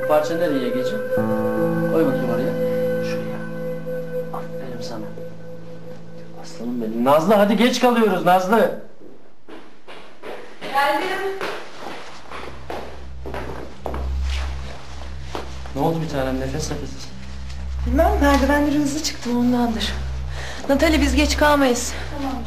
Bu parça nereye Egeciğim? Koy bakayım oraya. Şuraya. Aferin sana. Aslanım benim. Nazlı hadi geç kalıyoruz Nazlı. Geldim. Ne oldu bir tanem, nefes nefesiz? Bilmem, merdivenleri hızlı çıktım ondandır. Natali biz geç kalmayız. Tamam.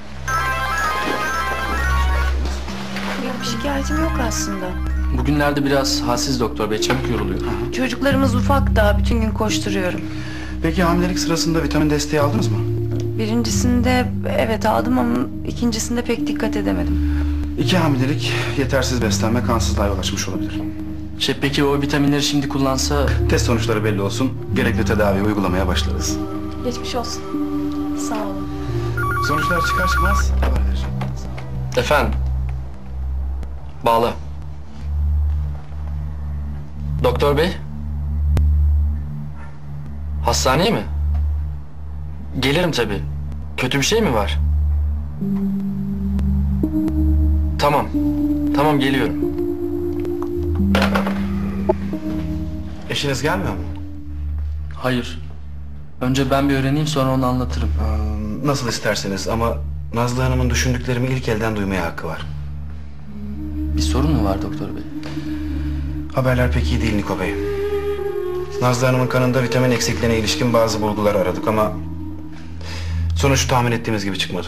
Yok, bir şikayetim yok aslında. Bugünlerde biraz halsiz doktor bey, çabuk yoruluyor. Çocuklarımız ufak da bütün gün koşturuyorum. Peki hamilelik sırasında vitamin desteği aldınız mı? Birincisinde evet aldım ama ikincisinde pek dikkat edemedim. 2 hamilelik, yetersiz beslenme kansızlığa yol açmış olabilir. Peki o vitaminleri şimdi kullansa... Test sonuçları belli olsun, gerekli tedavi uygulamaya başlarız. Geçmiş olsun. Sağ olun. Sonuçlar çıkar çıkmaz haber vereceğim. Efendim? Bağla. Doktor bey? Hastaneye mi? Gelirim tabii. Kötü bir şey mi var? Tamam. Tamam, geliyorum. Eşiniz gelmiyor mu? Hayır. Önce ben bir öğreneyim, sonra onu anlatırım. Nasıl isterseniz ama Nazlı Hanım'ın düşündüklerimi ilk elden duymaya hakkı var. Bir sorun mu var doktor bey? Haberler pek iyi değil Niko Bey. Nazlı Hanım'ın kanında vitamin eksikliğine ilişkin bazı bulgular aradık ama... sonuç tahmin ettiğimiz gibi çıkmadı.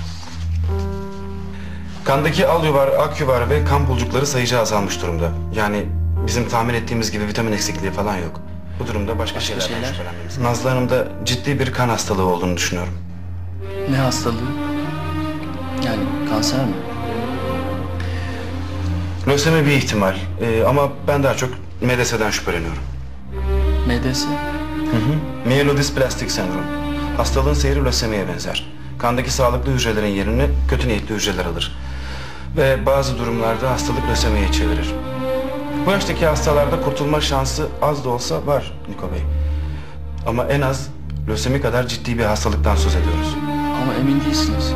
Kandaki alyuvar, akyuvar ve kan bulcukları sayıca azalmış durumda. Yani bizim tahmin ettiğimiz gibi vitamin eksikliği falan yok. Bu durumda başka şeylerden şüphelenmemiz. Nazlı Hanım'da ciddi bir kan hastalığı olduğunu düşünüyorum. Ne hastalığı? Yani kanser mi? Lösemi bir ihtimal ama ben daha çok MDS'den şüpheleniyorum. MDS? Myelodysplastik sendrom. Hastalığın seyri lösemiye benzer. Kandaki sağlıklı hücrelerin yerini kötü niyetli hücreler alır. Ve bazı durumlarda hastalık lösemiye çevirir. Bu yaştaki hastalarda kurtulma şansı az da olsa var Niko Bey. Ama en az lösemi kadar ciddi bir hastalıktan söz ediyoruz. Ama emin değilsiniz.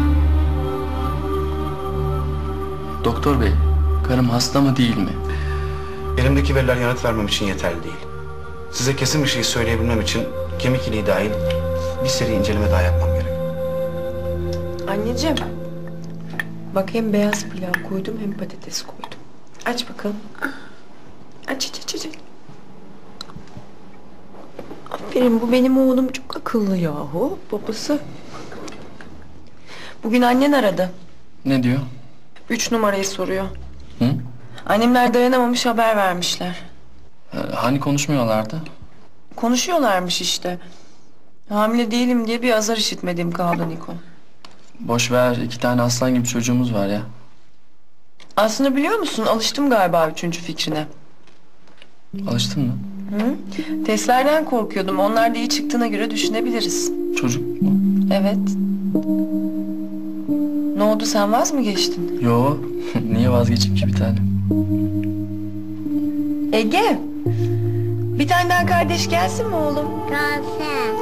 Doktor bey, karım hasta mı değil mi? Elimdeki veriler yanıt vermem için yeterli değil. Size kesin bir şey söyleyebilmem için kemik iliği dahil bir seri inceleme daha yapmam gerek. Anneciğim. Bak hem beyaz pilav koydum hem patates koydum. Aç bakalım. Aç. Aferin, bu benim oğlum çok akıllı yahu. Babası. Bugün annen aradı. Ne diyor? 3 numarayı soruyor. Hı? Annemler dayanamamış, haber vermişler. Hani konuşmuyorlardı? Konuşuyorlarmış işte. Hamile değilim diye bir azar işitmediğim kaldı Niko. Boş ver, 2 tane aslan gibi çocuğumuz var ya. Aslında biliyor musun, alıştım galiba 3. fikrine. Alıştın mı? Hı? Testlerden korkuyordum. Onlar da iyi çıktığına göre düşünebiliriz. Çocuk mu? Evet. Ne oldu, sen vaz mı geçtin? Yo, niye vazgeçeyim ki bir tane? Ege, bir tane daha kardeş gelsin mi oğlum? Kalsın.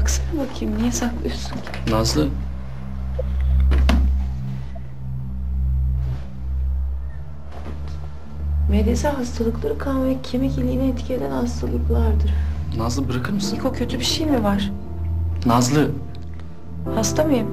Bıraksana bakayım. Niye saklıyorsun ki? Nazlı. MDS hastalıkları kan ve kemik iliğine etki eden hastalıklardır. Nazlı bırakır mısın? Niko, kötü bir şey mi var? Nazlı. Hasta mıyım?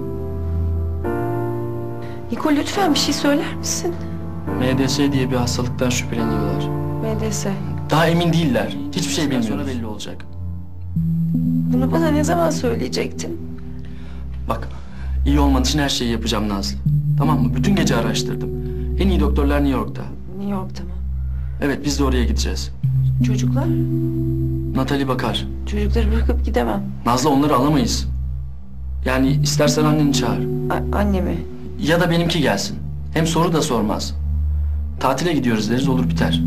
Niko, lütfen bir şey söyler misin? MDS diye bir hastalıktan şüpheleniyorlar. MDS. Daha emin değiller. Hiçbir şey bilmiyoruz. Sonra belli olacak. Bunu bana ne zaman söyleyecektin? Bak, iyi olman için her şeyi yapacağım Nazlı. Tamam mı? Bütün gece araştırdım. En iyi doktorlar New York'ta. New York'ta mı? Evet, biz de oraya gideceğiz. Çocuklar? Natali bakar. Çocukları bırakıp gidemem. Nazlı, onları alamayız. Yani istersen anneni çağır. Annemi. Ya da benimki gelsin. Hem soru da sormaz. Tatile gidiyoruz deriz, olur biter.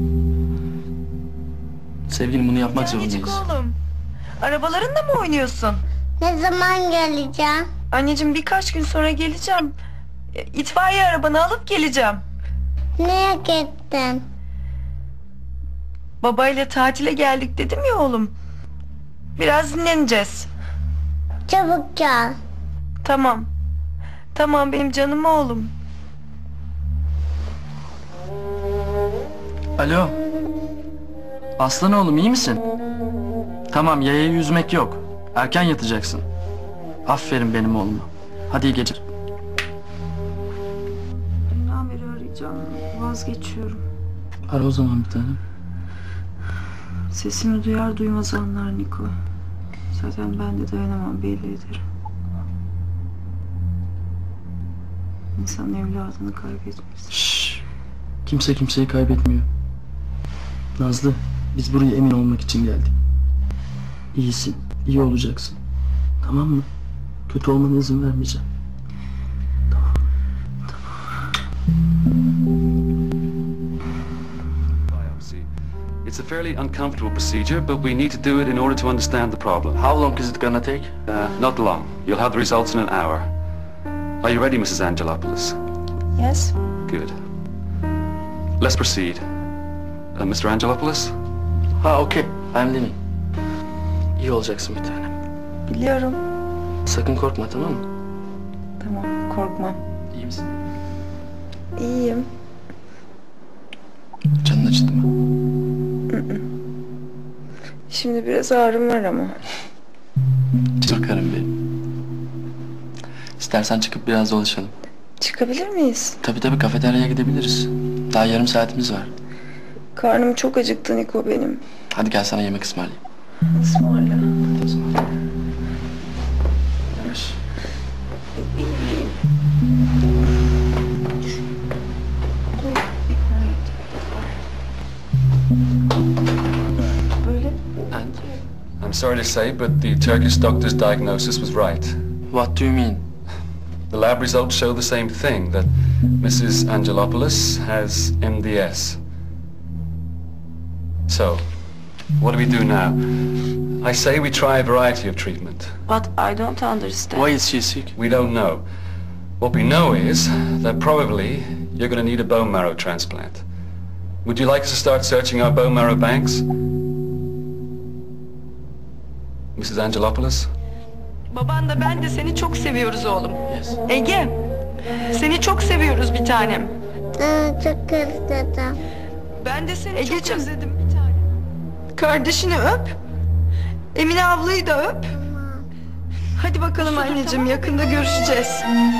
Sevgilim, bunu yapmak zorundayız. Oğlum. Arabalarınla mı oynuyorsun? Ne zaman geleceğim? Anneciğim, birkaç gün sonra geleceğim. İtfaiye arabanı alıp geleceğim. Neye gittin? Babayla tatile geldik dedim ya oğlum. Biraz dinleneceğiz. Çabuk gel. Tamam. Tamam benim canım oğlum. Alo. Aslan oğlum, iyi misin? Tamam, yayayı yüzmek yok. Erken yatacaksın. Aferin benim oğluma. Hadi iyi geceler. Dünden beri arayacağım. Vazgeçiyorum. Ara o zaman bir tanem. Sesimi duyar duymaz anlar Niko. Zaten ben de dayanamam, belli ederim. İnsan evladını kaybetmez. Şşş. Kimse kimseyi kaybetmiyor. Nazlı, biz buraya emin olmak için geldik. İyisin, iyi olacaksın. Tamam mı? Kötü olmana izin vermeyeceğim. Biopsy. It's a fairly uncomfortable procedure, but we need to do it in order to understand the problem. How long is it gonna take? Not long. You'll have the results in an hour. Are you ready, Mrs. Angelopoulos? Yes. Good. Let's proceed. Mr. Angelopoulos? Ha, okay. I'm leaving. İyi olacaksın bir tanem. Biliyorum. Sakın korkma, tamam mı? Tamam, korkmam. İyi misin? İyiyim. Canın acıdı mı? Şimdi biraz ağrım var ama. Bakarım benim. İstersen çıkıp biraz dolaşalım. Çıkabilir miyiz? Tabii kafeteryaya gidebiliriz. Daha yarım saatimiz var. Karnım çok acıktı Niko benim. Hadi gel, sana yemek ısmarlayayım. Ismarla. Hadi o zaman. Yavaş. Böyle. And I'm sorry to say, but the Turkish doctor's diagnosis was right. what do you mean? The lab results show the same thing, that Mrs. Angelopoulos has MDS. So, what do we do now? I say we try a variety of treatment. But I don't understand. Why is she sick? We don't know. What we know is that probably you're going to need a bone marrow transplant. Would you like us to start searching our bone marrow banks? Mrs. Angelopoulos? Baban da ben de seni çok seviyoruz oğlum. Yes. Ege, seni çok seviyoruz bir tanem. Çok özledim. Ben de seni çok özledim bir tanem. Kardeşini öp. Emine ablayı da öp. Hadi bakalım anneciğim, yakında görüşeceğiz.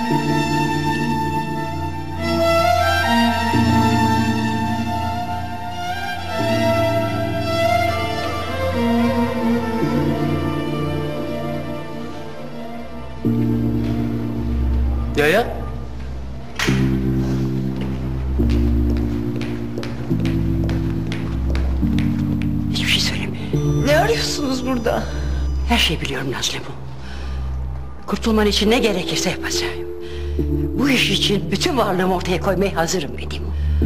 Yaya? Hiçbir şey söyleme. Ne arıyorsunuz burada? Her şeyi biliyorum Nazlı bu. Kurtulman için ne gerekirse yapacağım. Bu iş için bütün varlığımı ortaya koymaya hazırım dedim.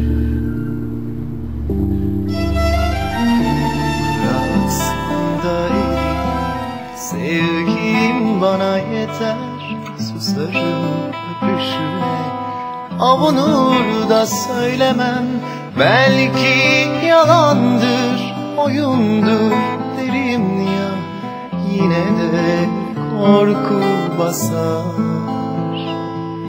Rastındayım, sevgim bana yeter. Susarım öpüşüne, avunur da söylemem. Belki yalandır, oyundur derim ya. yine de korku basar.